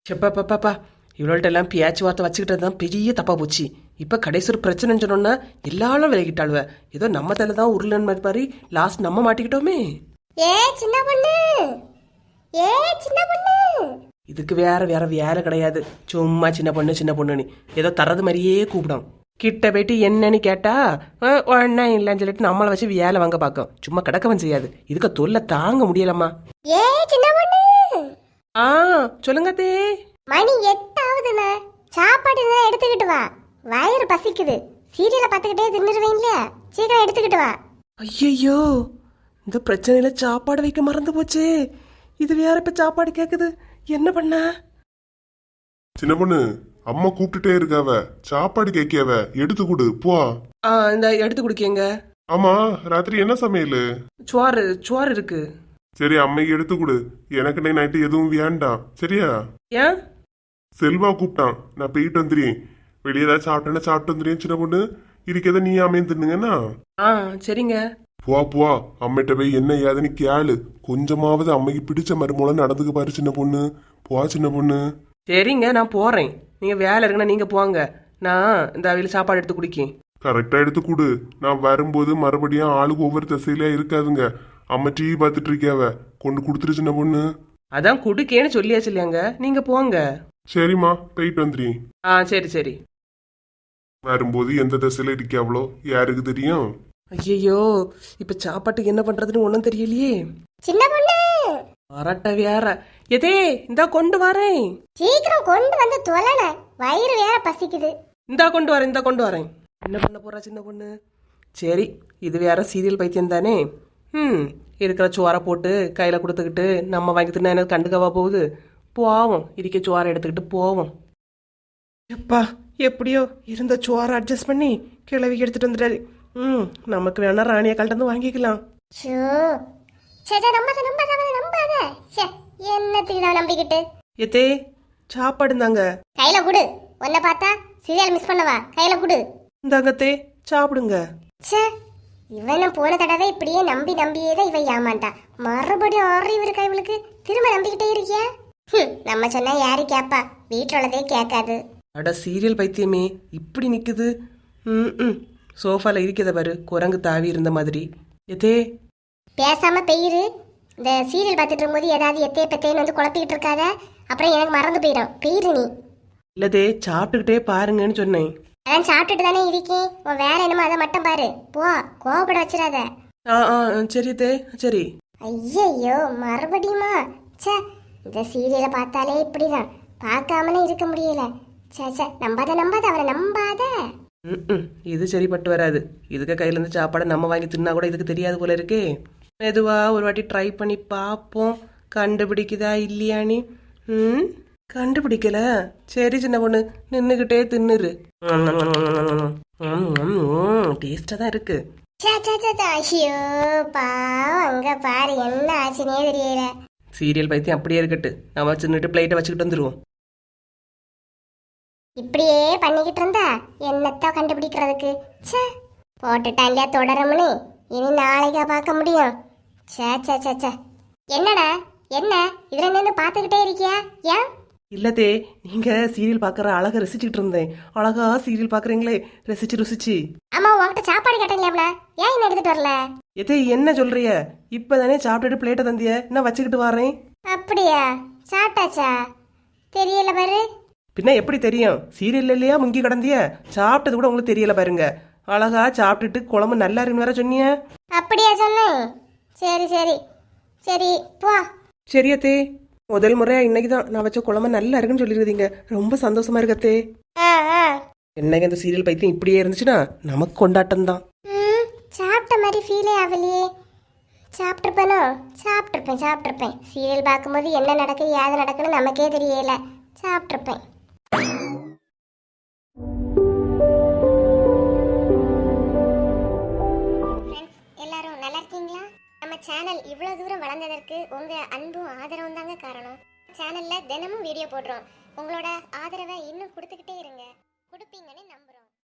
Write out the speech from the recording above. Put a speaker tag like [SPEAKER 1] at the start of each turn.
[SPEAKER 1] செப்பாப்பாப்பா இவ்வளோட்ட எல்லாம் பேச்சுவார்த்தை வச்சுக்கிட்டது தான் பெரிய தப்பா போச்சு. இப்போ கடைசி ஒரு பிரச்சனைன்னு சொன்னோன்னா எல்லாரும் விலகிட்டாளுவ. ஏதோ நம்ம தலை தான் உருளன் மாதிரி லாஸ்ட் நம்ம மாட்டிக்கிட்டோமே.
[SPEAKER 2] ஏ சின்ன பொண்ணு, ஏ சின்ன பொண்ணு.
[SPEAKER 1] இதுக்கு வேற வேற வேலை கிடையாது. சும்மா சின்ன பொண்ணு சின்ன பொண்ணுன்னு ஏதோ தரது மாதிரியே கூப்பிடும். கிட்ட போயிட்டு என்னன்னு கேட்டா ஒன்னா இல்லைன்னு சொல்லிட்டு நம்மளை வச்சு வேலை வாங்க பார்க்கும். சும்மா கிடக்கவும் செய்யாது. இதுக்கு தொல்லை தாங்க முடியலம்மா.
[SPEAKER 2] ஏ சின்ன பொண்ணு.
[SPEAKER 1] ஆ சொல்லுங்க தே.
[SPEAKER 2] மணி 8 ஆகுதுண்ணா. சாப்பாடு இருந்தா எடுத்துக்கிட்டு வா. வயிறு பசிக்குது. சீரியலை பார்த்துக்கிட்டே தின்னுருவீங்கள, சீக்கிரம் எடுத்துக்கிட்டு வா.
[SPEAKER 1] ஐயோ இந்த பிரச்சனையில சாப்பாடு வைக்க மறந்து போச்சு. இது வேற இப்ப சாப்பாடு கேக்குது, என்ன பண்ண?
[SPEAKER 3] சின்ன பொண்ணு, அம்மா கூப்பிட்டுட்டே இருக்காவ, சாப்பாடு கேட்கியாவ, எடுத்து கொடு போ.
[SPEAKER 1] இந்த எடுத்து குடிக்கங்க.
[SPEAKER 3] ஆமா, ராத்திரி என்ன சமையல்?
[SPEAKER 1] சோறு இருக்கு.
[SPEAKER 3] சரி, அம்மைக்கு எடுத்து கொடு. எனக்கு நைட்டு எதுவும் வேண்டாம், சரியா?
[SPEAKER 1] ஏன்?
[SPEAKER 3] செல்வா கூப்பிட்டான், நான் போயிட்டு வந்துடுறேன். வெளியே ஏதாவது சாப்பிட்டேன்னா சாப்பிட்டு வந்துடுறேன். சின்ன பொண்ணு, இருக்கதை நீ அம்மையும் தின்னுங்கண்ணா.
[SPEAKER 1] சரிங்க.
[SPEAKER 3] போ அம்மிட்ட போய் என்ன ஏதுன்னு கேளு. கொஞ்சமாவது அம்மைக்கு பிடிச்ச மருமூலம் நடந்துக்க பாரு சின்ன பொண்ணு. போ சின்ன பொண்ணு.
[SPEAKER 1] சரிங்க, நான் போறேன். நீங்க வேலை இருக்குன்னா நீங்க போங்க. நான் இந்த அவையில சாப்பாடு எடுத்து குடிக்கேன்.
[SPEAKER 3] கரெக்டா எடுத்து கொடு. நான் வரும்போது மறுபடியும் ஆளுக்கு ஒவ்வொரு திசையில இருக்காதுங்க. அம்மா டிவி பார்த்துட்டு இருக்கியாவ, கொண்டு கொடுத்துரு சின்ன பொண்ணு.
[SPEAKER 1] அதான் குடுக்கேன்னு சொல்லியாச்சு இல்லையாங்க, நீங்க போங்க.
[SPEAKER 3] சரிம்மா, போயிட்டு வந்துடுறேன்.
[SPEAKER 1] சரி சரி.
[SPEAKER 3] வரும்போது எந்த திசையில இருக்கியாவளோ யாருக்கு தெரியும்.
[SPEAKER 1] ஐயோ இப்ப சாப்பாட்டுக்கு என்ன பண்றதுன்னு ஒன்னும் தெரியலையே.
[SPEAKER 2] சின்ன பொண்ணு
[SPEAKER 1] வரட்ட வேற. எதே இந்தா கொண்டு வரேன்.
[SPEAKER 2] சீக்கிரம் கொண்டு வந்து தொலைன, வயிறு வேற பசிக்குது.
[SPEAKER 1] இந்தா கொண்டு வரேன். என்ன பண்ண போறா சின்ன பொண்ணு? சரி, இது வேற சீரியல் பைத்தியம் தானே. இருக்கிற சோறை போட்டு கையில கொடுத்துக்கிட்டு நம்ம வாங்கி தின்னா எனக்கு கண்டுக்கவா போகுது? போவோம், இருக்க சோறை எடுத்துக்கிட்டு போவோம். எப்பா எப்படியோ இருந்த சோறை அட்ஜஸ்ட் பண்ணி கிளவி எடுத்துட்டு வந்துட்டாரு. நமக்கு வேணா ராணிய கல்ட்டு வாங்கிக்கலாம்.
[SPEAKER 2] என்னத்துக்கு நம்பிக்கிட்டு
[SPEAKER 1] எதே சாப்பாடு தாங்க.
[SPEAKER 2] கையில குடு. உன்னை பார்த்தா சீரியல் மிஸ் பண்ணவா? கையில குடு.
[SPEAKER 1] இந்தாங்கத்தே சாப்பிடுங்க.
[SPEAKER 2] இவனும் போன தடவை இப்படியே நம்பியே தான் இவன் ஏமாண்டா. மறுபடியும் அறிவு இருக்கா இவளுக்கு? திரும்ப நம்பிக்கிட்டே இருக்கியா? நம்ம சொன்னா யாரு கேப்பா? வீட்டுல உள்ளதே கேட்காது.
[SPEAKER 1] அட சீரியல் பைத்தியமே இப்படி நிக்குது. சோஃபால இருக்கிறத பாரு, குரங்கு தாவி இருந்த மாதிரி. எதே
[SPEAKER 2] பேசாம பெயிரு. இந்த சீரியல் பார்த்துட்டு இருக்கும்போது ஏதாவது எத்தைய பெத்தைன்னு வந்து குழப்பிக்கிட்டு இருக்காத, அப்புறம் எனக்கு மறந்து போயிடும். பெயிரு நீ.
[SPEAKER 1] இல்லதே சாப்பிட்டுக்கிட்டே பாருங்கன்னு சொன்னேன்.
[SPEAKER 2] அதான் சாப்பிட்டுட்டு தானே இருக்கேன். உன் வேலை என்னமோ அதை மட்டும் பாரு. போ, கோவப்பட வச்சிடாத.
[SPEAKER 1] சரி தே சரி.
[SPEAKER 2] ஐயையோ மறுபடியுமா? சே, இந்த சீரியலை பார்த்தாலே இப்படிதான், பார்க்காமலே இருக்க முடியல. சே நம்பாத அவரை நம்பாத.
[SPEAKER 1] இது சரிப்பட்டு வராது. இதுக்கு கையில இருந்து சாப்பாடை நம்ம வாங்கி தின்னா கூட இதுக்கு தெரியாது போல இருக்கே. மெதுவா ஒரு வாட்டி ட்ரை பண்ணி பார்ப்போம், கண்டுபிடிக்குதா இல்லையானி. கண்டுபிடிக்கல. சரி சின்ன பொண்ணு, நின்னுகிட்டே தின்னுரு. டேஸ்டா தான் இருக்கு.
[SPEAKER 2] ஐயோ பாவம், அங்க பாரு என்ன ஆச்சுனே தெரியல.
[SPEAKER 1] சீரியல் பைத்தியம் அப்படியே இருக்கட்டு, நம்ம சின்னுட்டு பிளேட்டை வச்சுக்கிட்டு வந்துருவோம்.
[SPEAKER 2] இப்படியே பண்ணிக்கிட்டு இருந்தா என்னத்தான் கண்டுபிடிக்கிறதுக்கு? சே, போட்டுட்டா இல்லையா தொடரும்னு இனி நாளைக்கா பார்க்க முடியும்? சே என்னடா என்ன இதுல நின்று பார்த்துக்கிட்டே இருக்கியா? ஏன்?
[SPEAKER 1] இல்லதே, நீங்க சீரியல் பாக்குற அழகா ரசிச்சுட்டு இருந்தேன். அழகா சீரியல் பாக்குறீங்களே, ரசிச்சு.
[SPEAKER 2] ஆமா, உன்கிட்ட சாப்பாடு கேட்டீங்களா? ஏன் என்ன எடுத்துட்டு வரல?
[SPEAKER 1] எதே என்ன சொல்றிய? இப்பதானே சாப்பிட்டுட்டு பிளேட்டை தந்திய, நான் வச்சுக்கிட்டு வரேன்.
[SPEAKER 2] அப்படியா? சாப்பிட்டாச்சா? தெரியல பாரு.
[SPEAKER 1] பின்ன எப்படி தெரியும்? சீரியல் இல்லையா முங்கி கடந்திய, சாப்பிட்டது கூட உங்களுக்கு தெரியல பாருங்க. அழகா சாப்பிட்டுட்டு குழம்பு நல்லா இருக்குன்னு வேற சொன்னிய.
[SPEAKER 2] அப்படியா சொன்னேன்? சரி போ.
[SPEAKER 1] சரியத்தே, முதல் முறையா இன்னைக்குதான் நான் வச்ச குழம்பு நல்லா இருக்குன்னு சொல்லிருக்கீங்க. ரொம்ப சந்தோஷமா இருக்கத்தே. என்னங்க இந்த சீரியல் பைத்தியம் இப்படியே இருந்துச்சுன்னா நமக்கு கொண்டாட்டம் தான்.
[SPEAKER 2] சாப்பிட்ட மாதிரி ஃபீலே ஆகலையே. சாப்பிட்டிருப்பேன். சீரியல் பார்க்கும்போது என்ன நடக்குது ஏது நடக்குன்னு நமக்கே தெரியல. சாப்பிட்டிருப்பேன். எல்லாரும் நல்லா இருக்கீங்களா? நம்ம சேனல் இவ்வளவு தூரம் வளர்ந்ததற்கு உங்க அன்பும் ஆதரவும் தாங்க காரணம். சேனல்ல தினமும் வீடியோ போடுறோம். உங்களோட ஆதரவை இன்னும் கொடுத்துக்கிட்டே இருங்க. கொடுப்பீங்கன்னு நம்புறோம்.